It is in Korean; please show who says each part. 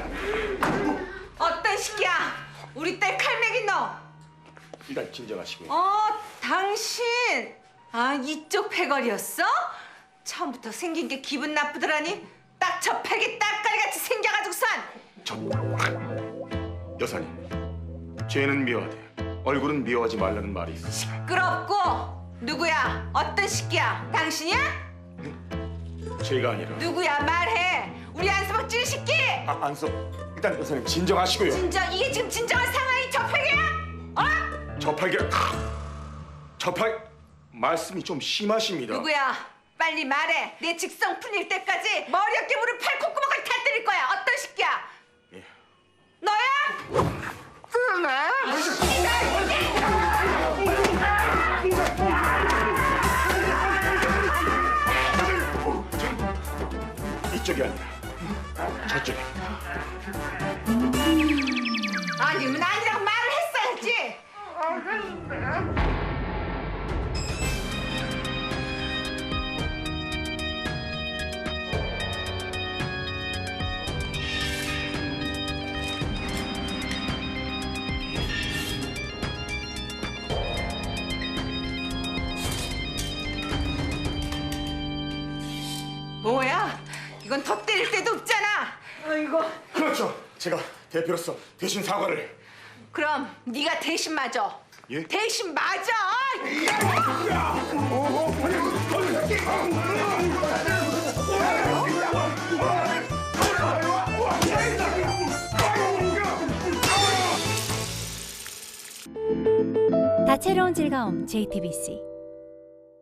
Speaker 1: 어떤 시기야? 우리 딸 칼맥인 너.
Speaker 2: 일단 진정하시고요.
Speaker 1: 당신. 이쪽 패거리였어? 처음부터 생긴 게 기분 나쁘더라니. 딱 저 패기 딱가리같이 생겨가지고선.
Speaker 2: 여사님, 죄는 미워하되 얼굴은 미워하지 말라는 말이 있어.
Speaker 1: 시끄럽고. 누구야? 어떤 시기야? 당신이야?
Speaker 2: 죄가 아니라.
Speaker 1: 누구야? 말해. 우리 안서방 찌르 시끼.
Speaker 2: 안서. 일단 여사님 진정하시고요.
Speaker 1: 진정, 이게 지금 진정한 상황이 저 패기야?
Speaker 2: 저팔 말씀이 좀 심하십니다.
Speaker 1: 누구야? 빨리 말해. 내 직성 풀릴 때까지 머리 어깨 무릎 팔 콧구멍을 다 때릴 거야. 어떤 시기야?
Speaker 2: 예.
Speaker 1: 너야?
Speaker 2: 이쪽이 아니라 저쪽에.
Speaker 1: 아니면 아니라고 말을 했어야지. 뭐야? 이건 더 때릴 데도 없잖아. 아이고.
Speaker 2: 그렇죠. 제가 대표로서 대신 사과를.
Speaker 1: 그럼 네가 대신 맞아.
Speaker 2: 예?
Speaker 1: 대신 맞아.
Speaker 3: 다채로운 즐거움 JTBC